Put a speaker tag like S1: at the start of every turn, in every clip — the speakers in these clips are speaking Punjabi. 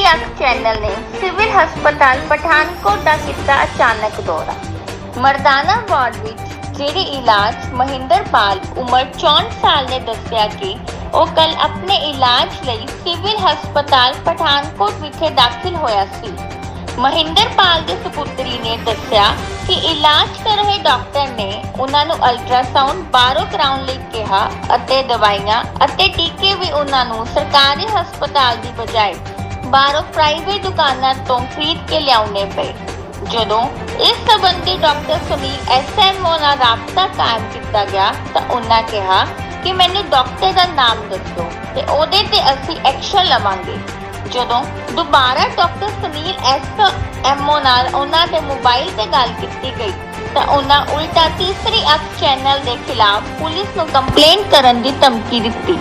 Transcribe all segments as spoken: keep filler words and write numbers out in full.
S1: अख चैनल ने सिविल हस्पताल पठानकोट का किया अचानक दौरा। मरदाना वार्ड विच जेरे इलाज महिंदरपाल उम्र चौंठ साल ने दस्सिया कि ਉਹ कल अपने इलाज ਲਈ सिविल हस्पताल पठानकोट विखे दाखिल होया सी। महिंदरपाल के सपुत्री ने दस्सिया कि इलाज कर रहे डॉक्टर ने उन्होंने अल्ट्रासाउंड बाहरों कराउण लई कहा अते दवाइयां अते टीके भी उन्होंने सरकारी हस्पताल की बजाय बाहरों प्राइवेट दुकानों तो खरीद के लियाउने पे। जदों इस संबंधी doctor Sunil S M O नाल राबता कायम किया गया तो उन्होंने कहा कि मैनू डॉक्टर का नाम दसो ते ओदे ते असीं एक्शन लवांगे। जदों दोबारा doctor Sunil S M O नाल उन्हां दे मोबाइल ते गल कीती गई तो उन्हां उल्टा तीसरी अख चैनल के खिलाफ पुलिस नूं कंप्लेंट करन दी धमकी दित्ती।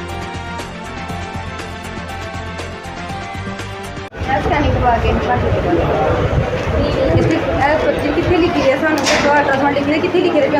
S2: कितने लिखी है सानू अल्ट्रासाउंड लिखी है कितने लिखी है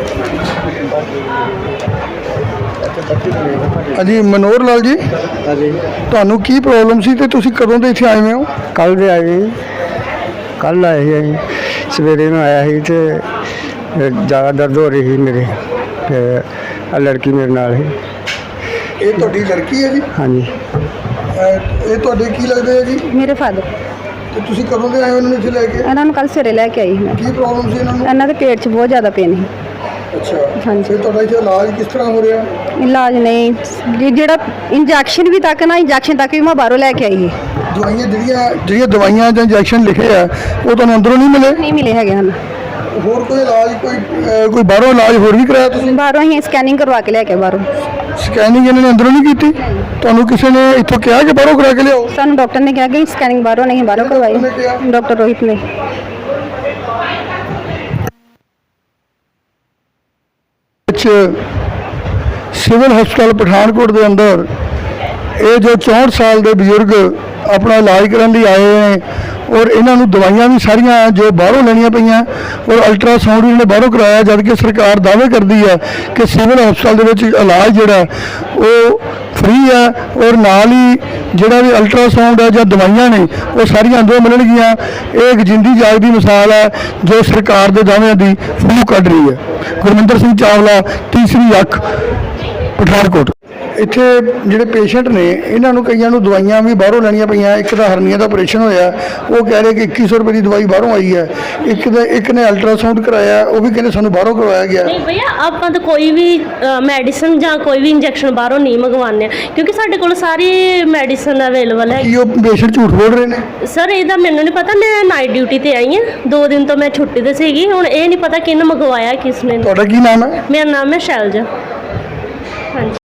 S3: ਹਾਂਜੀ ਮਨੋਹਰ ਲਾਲ ਜੀ,
S4: ਹਾਂਜੀ
S3: ਤੁਹਾਨੂੰ ਕੀ ਪ੍ਰੋਬਲਮ ਸੀ ਤੇ ਤੁਸੀਂ ਕਦੋਂ ਦੇ ਇੱਥੇ ਆਏ ਹੋਏ ਹੋ?
S4: ਕੱਲ ਦੇ ਆਏ ਜੀ, ਕੱਲ ਆਏ ਸੀ ਅਸੀਂ ਸਵੇਰੇ ਨੂੰ ਆਇਆ ਸੀ ਤੇ ਜ਼ਿਆਦਾ ਦਰਦ ਹੋ ਰਹੀ ਸੀ ਮੇਰੇ ਤੇ ਆਹ ਲੜਕੀ ਮੇਰੇ ਨਾਲ ਸੀ।
S3: ਇਹ ਤੁਹਾਡੀ ਲੜਕੀ ਹੈ ਜੀ?
S4: ਹਾਂਜੀ
S3: ਅਹ ਇਹ ਤੁਹਾਡੇ ਕੀ ਲੱਗਦੇ ਆ ਜੀ?
S2: मेरे फादर
S3: ਤੇ ਤੁਸੀਂ ਕਦੋਂ ਦੇ ਆਏ ਹੋ ਇਹਨਾਂ ਨੂੰ ਇੱਥੇ ਲੈ ਕੇ?
S2: ਇਹਨਾਂ ਨੂੰ ਕੱਲ ਸਵੇਰੇ ਲੈ ਕੇ ਆਈ ਸੀ ਮੈਂ।
S3: ਕੀ ਪ੍ਰੋਬਲਮ ਸੀ ਇਹਨਾਂ ਨੂੰ?
S2: ਇਹਨਾਂ ਦੇ ਪੇਟ 'ਚ ਬਹੁਤ ਜ਼ਿਆਦਾ ਪੇਨ ਸੀ।
S3: ਅੱਛਾ,
S2: ਹਾਂਜੀ।
S3: ਤੇ ਤੁਹਾਡਾ ਇੱਥੇ ਇਲਾਜ ਕਿਸ ਤਰ੍ਹਾਂ ਹੋ ਰਿਹਾ?
S2: ਇਲਾਜ ਨਹੀਂ ਜੀ, ਜਿਹੜਾ ਇੰਜੈਕਸ਼ਨ ਵੀ ਤੱਕ ਨਾ ਇੰਜੈਕਸ਼ਨ ਤੱਕ ਵੀ ਮੈਂ ਬਾਹਰੋਂ ਲੈ ਕੇ ਆਈ ਹੈ।
S3: ਦਵਾਈਆਂ ਜਿਹੜੀਆਂ ਜਿਹੜੀਆਂ ਦਵਾਈਆਂ ਜਾਂ ਇੰਜੈਕਸ਼ਨ ਲਿਖੇ ਆ ਉਹ ਤੁਹਾਨੂੰ ਅੰਦਰੋਂ ਨਹੀਂ ਮਿਲੇ?
S2: ਨਹੀਂ ਮਿਲੇ ਹੈਗੇ ਹਨ।
S3: ਹੋਰ ਕੋਈ ਇਲਾਜ ਕੋਈ ਅਹ ਕੋਈ ਬਾਹਰੋਂ ਇਲਾਜ ਹੋਰ ਵੀ ਕਰਾਇਆ ਤੁਸੀਂ?
S2: ਬਾਹਰੋਂ ਹੀ ਸਕੈਨਿੰਗ ਕਰਵਾ ਕੇ ਲੈ ਕੇ ਬਾਹਰੋਂ।
S3: ਸਕੈਨਿੰਗ ਇਹਨਾਂ ਨੇ ਅੰਦਰੋਂ ਨਹੀਂ ਕੀਤੀ? ਤੁਹਾਨੂੰ ਕਿਸੇ ਨੇ ਇੱਥੋਂ ਕਿਹਾ ਕਿ ਬਾਹਰੋਂ ਕਰਾ ਕੇ ਲਿਆਓ?
S2: ਸਾਨੂੰ ਡਾਕਟਰ ਨੇ ਕਿਹਾ ਕਿ ਸਕੈਨਿੰਗ ਬਾਹਰੋਂ ਨਹੀਂ ਬਾਹਰੋਂ ਕਰਵਾਈ, ਡਾਕਟਰ ਰੋਹਿਤ ਨੇ।
S3: ਵਿੱਚ ਸਿਵਲ ਹਸਪਤਾਲ ਪਠਾਨਕੋਟ ਦੇ ਅੰਦਰ ਇਹ ਜੋ ਚੌਂਹਠ ਸਾਲ ਦੇ ਬਜ਼ੁਰਗ ਆਪਣਾ ਇਲਾਜ ਕਰਨ ਲਈ ਆਏ ਨੇ ਔਰ ਇਹਨਾਂ ਨੂੰ ਦਵਾਈਆਂ ਵੀ ਸਾਰੀਆਂ ਜੋ ਬਾਹਰੋਂ ਲੈਣੀਆਂ ਪਈਆਂ ਔਰ ਅਲਟਰਾਸਾਊਂਡ ਵੀ ਇਹਨੇ ਬਾਹਰੋਂ ਕਰਾਇਆ, ਜਦ ਕਿ ਸਰਕਾਰ ਦਾਅਵੇ ਕਰਦੀ ਹੈ ਕਿ ਸਿਵਲ ਹਸਪਤਾਲ ਦੇ ਵਿੱਚ ਇਲਾਜ ਜਿਹੜਾ ਉਹ ਫ੍ਰੀ ਹੈ ਔਰ ਨਾਲ ਹੀ ਜਿਹੜਾ ਵੀ ਅਲਟਰਾਸਾਊਂਡ ਹੈ ਜਾਂ ਦਵਾਈਆਂ ਨੇ ਉਹ ਸਾਰੀਆਂ ਅੰਦਰੋਂ ਮਿਲਣਗੀਆਂ। ਇਹ ਇੱਕ ਜਿੰਦੀ ਜਾਗਦੀ ਮਿਸਾਲ ਹੈ ਜੋ ਸਰਕਾਰ ਦੇ ਦਾਅਵਿਆਂ ਦੀ ਫੂਕ ਕੱਢ ਰਹੀ ਹੈ। ਗੁਰਮਿੰਦਰ ਸਿੰਘ ਚਾਵਲਾ, ਤੀਸਰੀ ਅੱਖ, ਪਠਾਨਕੋਟ। ਇੱਥੇ ਜਿਹੜੇ ਪੇਸ਼ੈਂਟ ਨੇ ਇਹਨਾਂ ਨੂੰ ਕਈਆਂ ਨੂੰ ਦਵਾਈਆਂ ਵੀ ਬਾਹਰੋਂ ਲੈਣੀਆਂ ਪਈਆਂ। ਇੱਕ ਦਾ ਹਰਨੀਆ ਦਾ ਆਪਰੇਸ਼ਨ ਹੋਇਆ, ਉਹ ਕਹਿ ਰਹੇ ਕਿ ਇੱਕੀ ਸੌ ਰੁਪਏ ਦੀ ਦਵਾਈ ਬਾਹਰੋਂ ਆਈ ਹੈ। ਇੱਕ ਦਾ ਇੱਕ ਨੇ ਅਲਟਰਾਸਾਊਂਡ ਕਰਾਇਆ, ਉਹ ਵੀ ਕਹਿੰਦੇ ਸਾਨੂੰ ਬਾਹਰੋਂ ਕਰਵਾਇਆ ਗਿਆ।
S5: नहीं भैया ਆਪਾਂ ਤਾਂ ਕੋਈ ਵੀ ਮੈਡੀਸਨ ਜਾਂ ਕੋਈ ਵੀ ਇੰਜੈਕਸ਼ਨ ਬਾਹਰੋਂ ਨਹੀਂ ਮੰਗਵਾਉਂਦੇ ਕਿਉਂਕਿ ਸਾਡੇ ਕੋਲ ਸਾਰੀ ਮੈਡੀਸਨ ਅਵੇਲੇਬਲ ਹੈ।
S3: ਕੀ ਉਹ ਪੇਸ਼ੈਂਟ ਝੂਠ ਬੋਲ ਰਹੇ ਨੇ?
S5: ਸਰ ਇਹਦਾ ਮੈਨੂੰ ਨਹੀਂ ਪਤਾ, ਮੈਂ ਨਾਈਟ ਡਿਊਟੀ ਤੇ ਆਈ ਹਾਂ, ਦੋ ਦਿਨ ਤੋਂ ਮੈਂ ਛੁੱਟੀ ਤੇ ਸੀਗੀ। ਹੁਣ ਇਹ ਨਹੀਂ ਪਤਾ ਕਿਹਨੇ ਮੰਗਵਾਇਆ ਕਿਸ ਨੇ।
S3: ਤੁਹਾਡਾ ਕੀ ਨਾਮ ਹੈ?
S5: ਮੇਰਾ ਨਾਮ ਹੈ ਸ਼ੈਲਜਾ। ਹਾਂਜੀ।